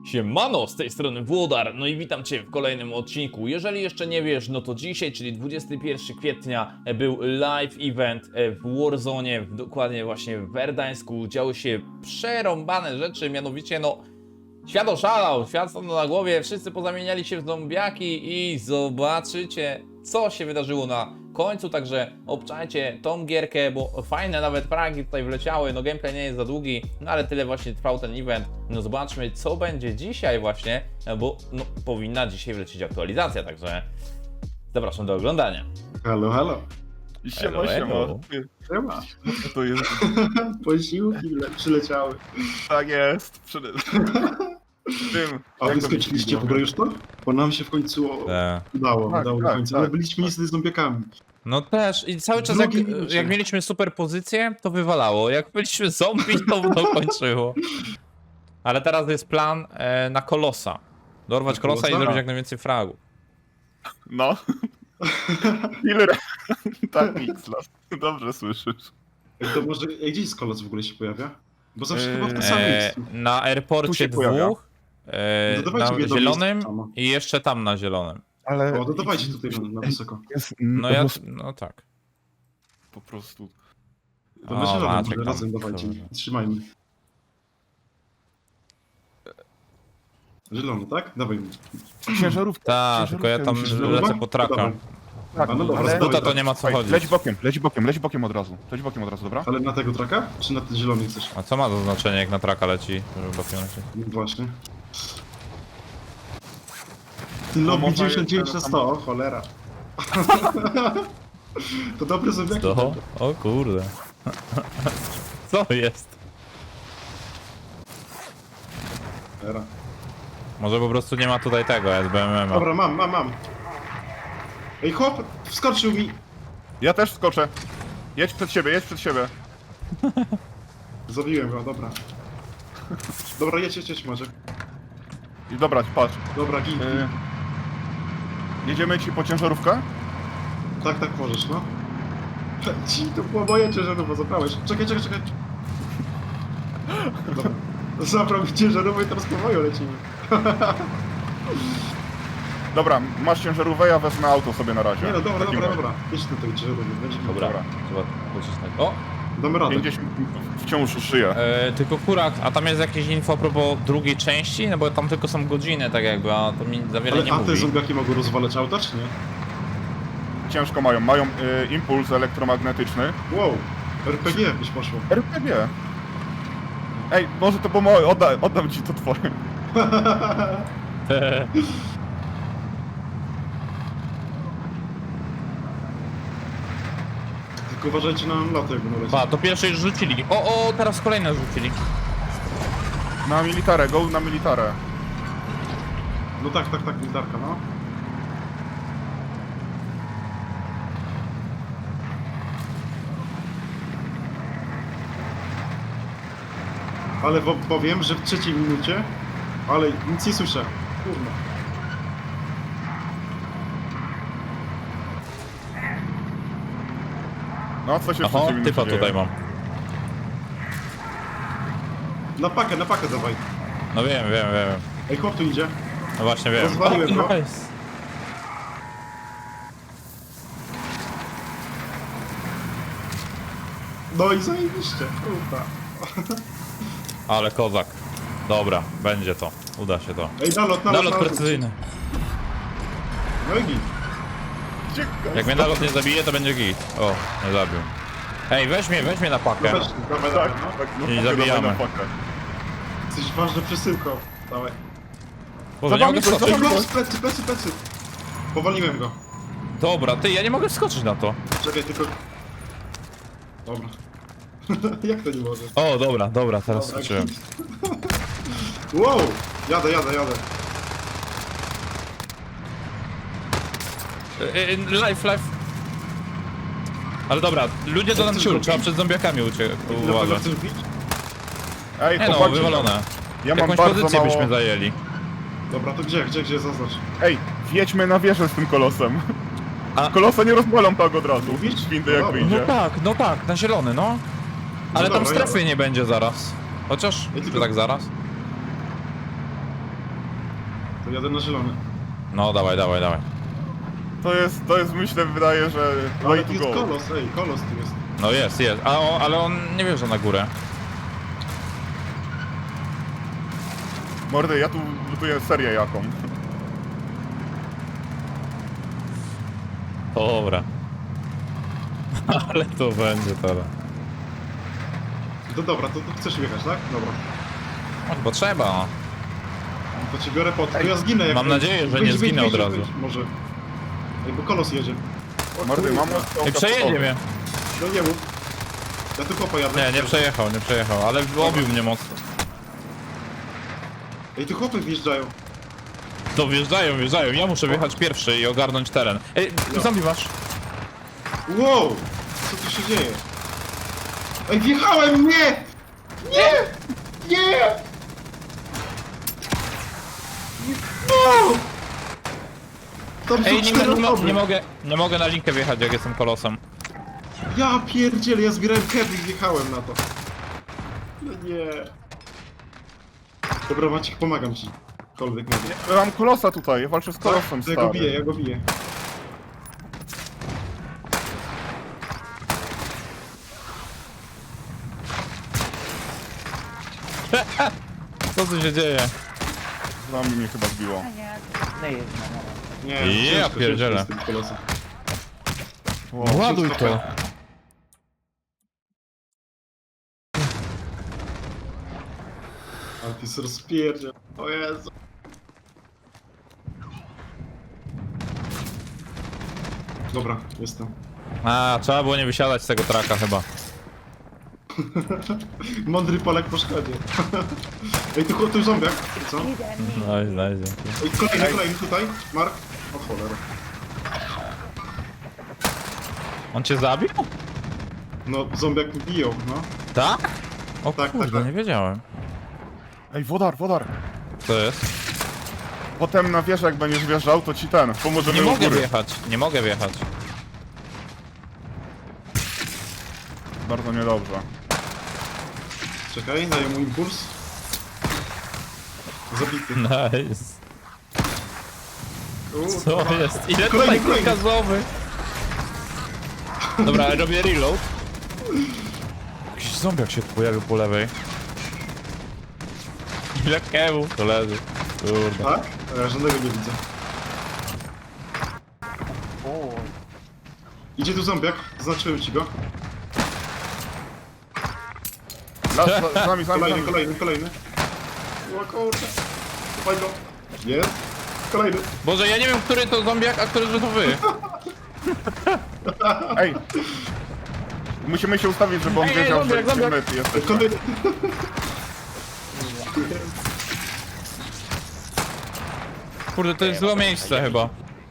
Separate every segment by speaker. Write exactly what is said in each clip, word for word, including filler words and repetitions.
Speaker 1: Siemano, z tej strony Włodar, no i witam Cię w kolejnym odcinku. Jeżeli jeszcze nie wiesz, no to dzisiaj, czyli dwudziestego pierwszego kwietnia, był live event w Warzone, w, dokładnie właśnie w Werdańsku. Działy się przerąbane rzeczy, mianowicie no... Świat oszalał, świat stanął na głowie, wszyscy pozamieniali się w zombiaki i zobaczycie, co się wydarzyło na końcu, także obczajcie tą gierkę, bo fajne nawet fragi tutaj wleciały, no gameplay nie jest za długi, no ale tyle właśnie trwał ten event. No zobaczmy, co będzie dzisiaj właśnie, bo no powinna dzisiaj wlecieć aktualizacja, także zapraszam do oglądania.
Speaker 2: Halo, halo.
Speaker 1: Hello,
Speaker 3: Siema, siema.
Speaker 1: hello.
Speaker 2: Siema.
Speaker 3: Co to jest?
Speaker 2: Posiłki le- przyleciały.
Speaker 3: Tak jest. Przede... Tym.
Speaker 2: A
Speaker 3: jak
Speaker 2: wy
Speaker 3: to
Speaker 2: skończyliście w ogóle już to? Bo nam się w końcu o-
Speaker 1: Te.
Speaker 2: udało,
Speaker 3: Tak,
Speaker 2: udało
Speaker 3: tak,
Speaker 2: w końcu.
Speaker 3: tak,
Speaker 2: Ale byliśmy
Speaker 3: tak.
Speaker 2: niestety z zombiakami.
Speaker 1: No też i cały czas jak,
Speaker 2: Drugie minucie.
Speaker 1: jak mieliśmy super pozycję, to wywalało, jak byliśmy zombie, to to kończyło. Ale teraz jest plan e, na Kolosa. Dorwać
Speaker 2: Na
Speaker 1: Kolosa i
Speaker 2: Kolosa?
Speaker 1: zrobić jak najwięcej fragów.
Speaker 3: No. Ile ra- Tak, Mixlas. Dobrze słyszysz.
Speaker 2: Ej, to może, ej, gdzie jest kolos w ogóle się pojawia? Bo zawsze
Speaker 3: Eee,
Speaker 2: chyba w tym samym
Speaker 1: E,
Speaker 2: miejscu.
Speaker 1: na
Speaker 3: Tu
Speaker 1: airporcie
Speaker 3: się pojawia.
Speaker 1: dwóch, e,
Speaker 2: No dawajcie
Speaker 1: na
Speaker 2: mnie do
Speaker 1: zielonym
Speaker 2: miejsca samo.
Speaker 1: i jeszcze tam na zielonym.
Speaker 3: Ale...
Speaker 2: O, to dawajcie tutaj na, na wysoko.
Speaker 3: Jest...
Speaker 1: No ja, no tak.
Speaker 3: Po prostu...
Speaker 2: To
Speaker 1: O,
Speaker 2: my zielonym
Speaker 1: Maciek
Speaker 2: może
Speaker 1: tam.
Speaker 2: razem dawajcie.
Speaker 1: Dobrze.
Speaker 2: Trzymajmy. Zielony, tak? Dawaj mi.
Speaker 3: Ciężarówka.
Speaker 1: Tak, tylko ja tam
Speaker 2: Zielona?
Speaker 1: lecę po traka.
Speaker 2: Dawaj.
Speaker 3: Tak,
Speaker 2: A no dobra,
Speaker 3: ale...
Speaker 2: z
Speaker 1: Buta to
Speaker 2: tak.
Speaker 1: nie ma co
Speaker 3: Słuchaj,
Speaker 1: chodzić.
Speaker 3: leć bokiem, leć bokiem, leć bokiem od razu. Leć bokiem od razu, dobra?
Speaker 2: Ale na tego traka? Czy na ten zielony chcesz?
Speaker 1: A co ma to znaczenie jak na traka leci? Żeby bokiem leci?
Speaker 2: No właśnie. Lobby
Speaker 3: można
Speaker 2: dziewięćdziesiąt dziewięć na
Speaker 3: jeszcze
Speaker 2: sto, o cholera. To dobre zombiaki.
Speaker 1: To? O kurde. Co jest?
Speaker 2: Cholera.
Speaker 1: Może po prostu nie ma tutaj tego S B M M-a.
Speaker 2: Dobra, mam, mam, mam. Ej, chłop, wskoczył mi.
Speaker 3: Ja też skoczę. Jedź przed siebie, jedź przed siebie.
Speaker 2: Zabiłem go, dobra. Dobra, jedź, jedź, jedź może.
Speaker 3: I dobra, patrz.
Speaker 2: Dobra, gin.
Speaker 3: Yy... Jedziemy ci po ciężarówkę?
Speaker 2: Tak, tak możesz, no. Ci, to była moja ciężarówka, zabrałeś. Czekaj, czekaj, czekaj. Dobra. Zabrał mi ciężarówkę i teraz po moją lecimy.
Speaker 3: Dobra, masz ciężarówkę, ja wezmę auto sobie na razie.
Speaker 2: Nie no, dobra,
Speaker 3: W takim
Speaker 2: dobra,
Speaker 3: razie.
Speaker 2: dobra. Jedź tutaj ciężarówkę, będzie
Speaker 1: Dobra,
Speaker 3: Dobra.
Speaker 1: trzeba pocisnąć. O!
Speaker 2: Damy radę.
Speaker 3: pięćdziesiąt wciąż żyje.
Speaker 1: E, tylko kurak, a tam jest jakieś info a propos drugiej części? No bo tam tylko są godziny tak jakby, a to mi za wiele
Speaker 2: Ale
Speaker 1: nie
Speaker 2: a te
Speaker 1: mówi.
Speaker 2: zombiaki mogą rozwalać auta, czy nie?
Speaker 3: Ciężko mają. Mają y, impuls elektromagnetyczny.
Speaker 2: Wow, R P G byś poszło.
Speaker 3: R P G. Ej, może to było moje, odda, oddam ci to twoje.
Speaker 2: Tylko uważajcie na loty, jak będą lecieć.
Speaker 1: Pa, to pierwsze już rzucili. O, o, teraz kolejne rzucili.
Speaker 3: Na militarę, go na militarę.
Speaker 2: No tak, tak, tak, militarka, no. Ale wo- powiem, że w trzeciej minucie, ale nic nie słyszę. Kurwa.
Speaker 3: No, co się w
Speaker 1: Aha,
Speaker 3: trzeciej minucie
Speaker 1: typa
Speaker 3: dzieje?
Speaker 1: tutaj mam.
Speaker 2: Na pakę, na pakę dawaj.
Speaker 1: No wiem, wiem, wiem.
Speaker 2: Ej, chłop tu idzie.
Speaker 1: No właśnie wiem.
Speaker 2: Rozwaliłem go.
Speaker 1: nice.
Speaker 2: No i zajebiście, kurwa.
Speaker 1: Ale kozak. Dobra, będzie to. Uda się to.
Speaker 2: Ej, nalot, nalot,
Speaker 1: Nalot
Speaker 2: nalot.
Speaker 1: precyzyjny.
Speaker 2: No i git.
Speaker 3: Ciekawe.
Speaker 1: Jak mnie nalot nie zabije, to będzie git. O, nie zabił. Ej, weź mnie, weź mnie na pakę.
Speaker 2: No weź, dawaj,
Speaker 3: Tak,
Speaker 2: dawaj, no.
Speaker 3: tak, no,
Speaker 1: I
Speaker 3: pakę,
Speaker 1: zabijamy.
Speaker 3: dawaj na pakę.
Speaker 2: Jesteś ważną przesyłką. Dawaj.
Speaker 1: Boże, nie
Speaker 3: Zabawmy
Speaker 1: mogę
Speaker 3: go,
Speaker 1: wskoczyć.
Speaker 2: Ej,
Speaker 3: zabawmy
Speaker 2: chłop, plecy, plecy, plecy. Powaliłem go.
Speaker 1: Dobra, ty, ja nie mogę wskoczyć na to.
Speaker 2: Czekaj, tylko... Dobra. Jak to nie może?
Speaker 1: O, dobra, dobra, teraz
Speaker 2: Dobra,
Speaker 1: skoczyłem.
Speaker 2: git. Wow! Jadę, jadę, jadę.
Speaker 1: Y, y, Life, life. Ale dobra, ludzie to nam
Speaker 2: chcesz
Speaker 1: ciul,
Speaker 2: zrobić?
Speaker 1: trzeba przed zombiakami ucie-
Speaker 2: Na pewno
Speaker 1: uważać.
Speaker 2: chcesz bić?
Speaker 3: Ej,
Speaker 1: Nie no,
Speaker 3: chłopaki,
Speaker 1: wywalone.
Speaker 3: Ja mam
Speaker 1: Jakąś
Speaker 3: bardzo
Speaker 1: pozycję
Speaker 3: mało...
Speaker 1: byśmy zajęli.
Speaker 2: Dobra, to gdzie, gdzie, gdzie, zaznacz.
Speaker 3: Ej, wjedźmy na wieżę z tym kolosem.
Speaker 1: A-
Speaker 3: Kolosa nie rozwalą tak od razu.
Speaker 2: Mówisz?
Speaker 3: Z windy
Speaker 2: No
Speaker 3: jak
Speaker 2: dobra.
Speaker 1: No
Speaker 3: wyjdzie.
Speaker 1: tak, no tak, na zielony, no. Ale tam
Speaker 2: dobra,
Speaker 1: strefy
Speaker 2: jadę.
Speaker 1: nie będzie zaraz. Chociaż,
Speaker 2: Ja
Speaker 1: czy
Speaker 2: tylko-
Speaker 1: tak zaraz?
Speaker 2: jadę na zielony.
Speaker 1: No, dawaj, dawaj, dawaj.
Speaker 3: To jest, to jest myślę, wydaje, że
Speaker 2: Ale
Speaker 3: way
Speaker 2: tu
Speaker 3: to
Speaker 2: jest
Speaker 3: go.
Speaker 2: kolos, ej, kolos tu jest.
Speaker 1: No jest, jest. A on, ale on nie wjeżdża na górę.
Speaker 3: Mordy, ja tu lutuję serię jaką.
Speaker 1: Dobra. Ale to będzie teraz.
Speaker 2: To dobra, to, to chcesz jechać, tak? Dobra.
Speaker 1: No, bo trzeba. no.
Speaker 2: To ci biorę pod... To ja zginę jak...
Speaker 1: Mam nadzieję, że nie zginę od razu.
Speaker 2: Może. Ej, bo kolos jedzie. O,
Speaker 3: Mordy,
Speaker 2: kurwa.
Speaker 3: mam
Speaker 1: Ej, przejedzie mnie.
Speaker 2: No nie mów. Ja tu chłopa jadę.
Speaker 1: Nie, nie przejechał, nie przejechał, ale obił mnie mocno.
Speaker 2: Ej, tu chłopy wjeżdżają.
Speaker 1: To wjeżdżają, wjeżdżają. Ja muszę wjechać pierwszy i ogarnąć teren. Ej,
Speaker 2: No.
Speaker 1: zombie masz.
Speaker 2: Wow! Co tu się dzieje? Ej, wjechałem! Nie! Nie! Nie! No! Tam są
Speaker 1: Ej, nie,
Speaker 2: cztery
Speaker 1: mo- nie, mo-
Speaker 2: osoby.
Speaker 1: nie mogę, nie mogę na linkę wjechać, jak jestem kolosem.
Speaker 2: Ja pierdzielę, ja zbierałem keby i wjechałem na to. No nie. Dobra, Maciek, pomagam ci. Kolwiek nie wie.
Speaker 3: Ja mam kolosa tutaj, ja walczę z kolosem,
Speaker 2: To ja go biję,
Speaker 3: stary.
Speaker 2: ja go biję.
Speaker 1: Co tu się dzieje?
Speaker 3: Zombie mnie chyba zbiło.
Speaker 2: Nie,
Speaker 1: Ja
Speaker 2: ciężko,
Speaker 1: pierdzielę.
Speaker 2: ciężko z tym kolosem.
Speaker 3: Wow.
Speaker 1: Ładuj to.
Speaker 2: Ale ty jest rozpierdziel. O Jezu. Dobra, jestem.
Speaker 1: A, trzeba było nie wysiadać z tego traka chyba.
Speaker 2: Mądry Polak po szkodzie. Ej, tu, tu zombiak. Co?
Speaker 1: No, znajdzie.
Speaker 2: Ej, kolejny, kolejny tutaj. Mark. O cholera.
Speaker 1: On cię zabił?
Speaker 2: No, zombiak mi biją, no.
Speaker 1: Tak? O
Speaker 2: Tak,
Speaker 1: kurde,
Speaker 2: tak, tak.
Speaker 1: nie wiedziałem.
Speaker 3: Ej, wodar, wodar.
Speaker 1: Co jest?
Speaker 3: Potem na wieżę jak będziesz wjeżdżał, to ci ten, pomożemy
Speaker 1: Nie
Speaker 3: u
Speaker 1: mogę
Speaker 3: góry.
Speaker 1: wjechać, nie mogę wjechać.
Speaker 3: Bardzo niedobrze.
Speaker 2: Czekaj, daję mu impuls. Zabity.
Speaker 1: Nice.
Speaker 2: U,
Speaker 1: Co jest? Ile
Speaker 2: Kolejny,
Speaker 1: tutaj
Speaker 2: kolejny.
Speaker 1: gazowych? Dobra, robię reload. Jakiś zombiak się tu pojawił po lewej. Ile kewu? To leży. Kurde.
Speaker 2: Tak? A ja żadnego nie widzę. Idzie tu zombiak, zaznaczyłem ci go.
Speaker 3: Las, za, z nami, z nami, z
Speaker 2: Kolejny,
Speaker 3: nami.
Speaker 2: kolejny, kolejny. O kurde. Chowaj go. Jest. Kolejny.
Speaker 1: Boże, ja nie wiem, który to zombiak, a który to wy.
Speaker 3: Ej! Musimy się ustawić, żeby on
Speaker 1: Ej, ej,
Speaker 3: wiedział,
Speaker 1: zombiak,
Speaker 3: że
Speaker 1: zombiak.
Speaker 3: my tu jesteśmy.
Speaker 2: Kolejny.
Speaker 1: Kurde, to jest złe miejsce chyba.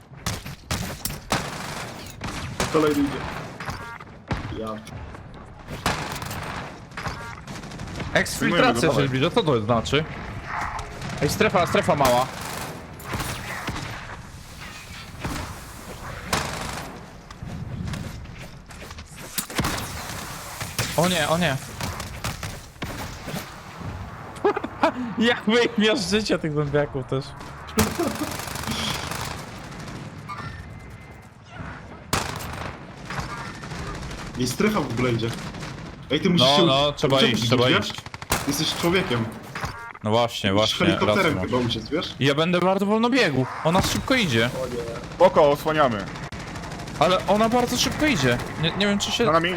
Speaker 2: Kolejny idzie. Ja.
Speaker 1: Eksfiltracja się
Speaker 3: dawaj.
Speaker 1: zbliża, co to znaczy? Ej, strefa, strefa mała. O nie, o nie. Jak wy ich miażdżycie tych zombiaków też.
Speaker 2: I strefa w ogóle idzie. Ej, ty musisz
Speaker 1: No,
Speaker 2: się...
Speaker 1: no, trzeba
Speaker 2: Czemu
Speaker 1: iść,
Speaker 2: ty
Speaker 1: trzeba
Speaker 2: idziesz?
Speaker 1: iść.
Speaker 2: Jesteś człowiekiem.
Speaker 1: No właśnie,
Speaker 2: Musisz
Speaker 1: właśnie, rację
Speaker 2: helikopterem
Speaker 1: masz.
Speaker 2: chyba uciec, wiesz?
Speaker 1: I ja będę bardzo wolno biegł. Ona szybko idzie.
Speaker 3: Spoko, osłaniamy.
Speaker 1: Ale ona bardzo szybko idzie. Nie, nie wiem czy się...
Speaker 3: Za nami.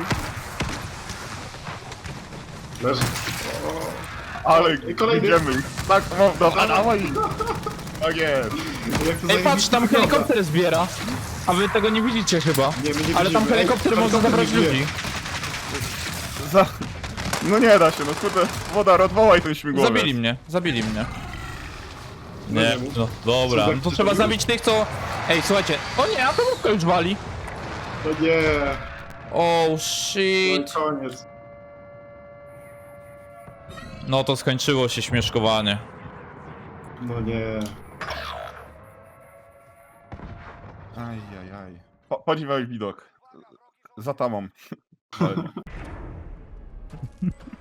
Speaker 2: Leży.
Speaker 3: Ale
Speaker 2: I kolejny.
Speaker 3: idziemy. Tak, no, dobra, dawaj. Tak jest.
Speaker 2: Jak to
Speaker 1: Ej, patrz,
Speaker 2: zajebiście
Speaker 1: tam
Speaker 2: wygląda.
Speaker 1: helikopter zbiera. A wy tego nie widzicie chyba.
Speaker 2: Nie, my nie
Speaker 1: Ale tam
Speaker 2: widzimy. Ej,
Speaker 1: helikopter może
Speaker 2: helikopter
Speaker 1: zabrać
Speaker 2: nie bije.
Speaker 1: ludzi.
Speaker 3: Za... No nie da się, no kurde. Wodar, odwołaj ten śmigłowiec.
Speaker 1: Zabili mnie, zabili mnie.
Speaker 2: No
Speaker 1: Nie,
Speaker 2: nie mów.
Speaker 1: no dobra,
Speaker 2: Co za-
Speaker 1: no to
Speaker 2: co
Speaker 1: trzeba
Speaker 2: to
Speaker 1: zabić tych co... Ej, słuchajcie, o nie, atomówka już wali.
Speaker 2: No nie.
Speaker 1: Oh
Speaker 2: No i
Speaker 1: shit.
Speaker 2: koniec.
Speaker 1: No to skończyło się śmieszkowanie.
Speaker 2: No nie.
Speaker 3: Ajajaj. Po, podziwiaj widok. Za tamą.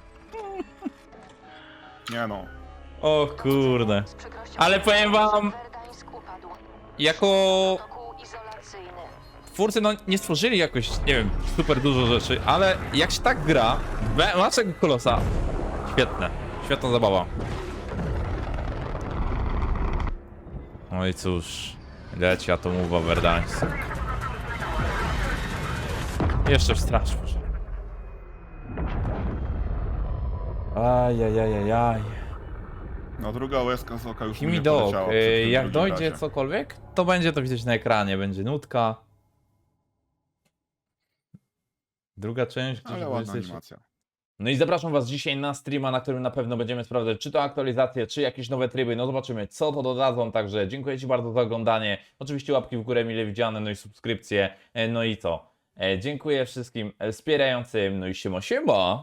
Speaker 3: Nie no.
Speaker 1: O kurde. Ale powiem wam, jako
Speaker 4: Protokół izolacyjny.
Speaker 1: twórcy no nie stworzyli jakoś, nie wiem, super dużo rzeczy, ale jak się tak gra, we- Maczek Kolosa, świetne, świetna zabawa. No i cóż, leci atomowa Verdansk. Jeszcze w straż może. Ajajajajaj.
Speaker 3: No druga łezka z oka już
Speaker 1: Kimi
Speaker 3: mnie
Speaker 1: Dog,
Speaker 3: poleciała
Speaker 1: y,
Speaker 3: przy tym
Speaker 1: jak
Speaker 3: drugim
Speaker 1: dojdzie
Speaker 3: razie.
Speaker 1: cokolwiek, to będzie to widać na ekranie, będzie nutka. Druga część, gdzieś
Speaker 3: Ale
Speaker 1: w
Speaker 3: ładna
Speaker 1: dwudziestej trzeciej.
Speaker 3: animacja.
Speaker 1: No i zapraszam was dzisiaj na streama, na którym na pewno będziemy sprawdzać, czy to aktualizacje, czy jakieś nowe tryby, no zobaczymy, co to dodadzą, także dziękuję ci bardzo za oglądanie, oczywiście łapki w górę mile widziane, no i subskrypcje, e, no i co, e, dziękuję wszystkim e, wspierającym, no i siema siema!